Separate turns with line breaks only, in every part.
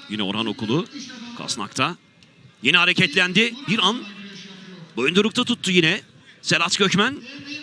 Yine Orhan Okulu Kasnak'ta. Yine hareketlendi. Bir an boyundurukta tuttu yine Serhat Gökmen.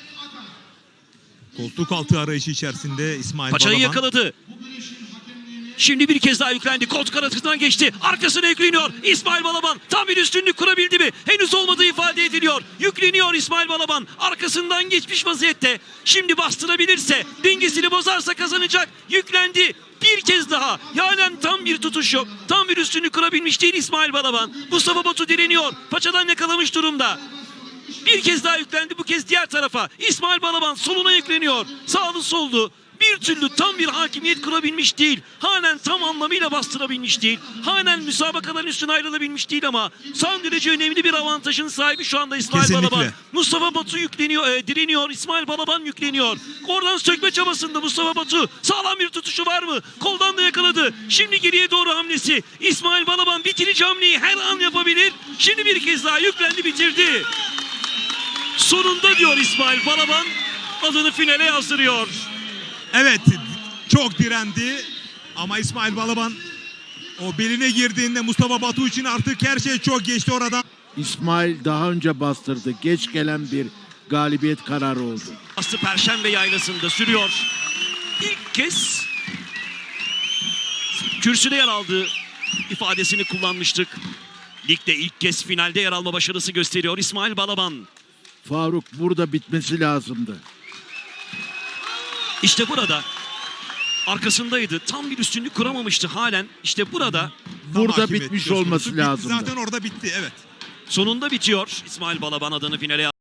Koltuk altı arayışı içerisinde İsmail
Paçayı
Balaban.
yakaladı. Şimdi bir kez daha yüklendi. Koltuk arasından geçti. Arkasına yükleniyor. İsmail Balaban tam bir üstünlük kurabildi mi? Henüz olmadığı ifade ediliyor. Yükleniyor İsmail Balaban. Arkasından geçmiş vaziyette. Şimdi bastırabilirse, dengesini bozarsa kazanacak. Yüklendi. Bir kez daha. Halen tam bir tutuş yok. Tam bir üstünlük kurabilmiş değil İsmail Balaban. Mustafa Batu direniyor. Paçadan yakalamış durumda. Bir kez daha yüklendi, bu kez diğer tarafa. İsmail Balaban soluna yükleniyor. Sağlı soldu. Bir türlü tam bir hakimiyet kurabilmiş değil. Halen tam anlamıyla bastırabilmiş değil. Halen müsabakaların üstüne ayrılabilmiş değil ama son derece önemli bir avantajın sahibi şu anda İsmail
Kesinlikle.
Balaban. Mustafa Batu yükleniyor, direniyor. İsmail Balaban yükleniyor. Oradan sökme çabasında Mustafa Batu. Sağlam bir tutuşu var mı? Koldan da yakaladı. Şimdi geriye doğru hamlesi. İsmail Balaban bitirici hamleyi her an yapabilir. Şimdi bir kez daha yüklendi, bitirdi. Sonunda diyor İsmail Balaban, adını finale yazdırıyor.
Evet, çok direndi ama İsmail Balaban o beline girdiğinde Mustafa Batu için artık her şey çok geçti oradan.
İsmail daha önce bastırdı. Geç gelen bir galibiyet kararı oldu.
Aslı Perşembe Yaylası'nda sürüyor. İlk kez kürsüde yer aldığı ifadesini kullanmıştık. Ligde ilk kez finalde yer alma başarısı gösteriyor İsmail Balaban.
Faruk, burada bitmesi lazımdı.
İşte burada arkasındaydı. Tam bir üstünlük kuramamıştı halen. İşte burada
Burada
Hakimiyet
bitmiş
söz konusu.
olması
Bitti,
lazımdı.
zaten orada bitti, evet.
sonunda bitiyor. İsmail Balaban adını finale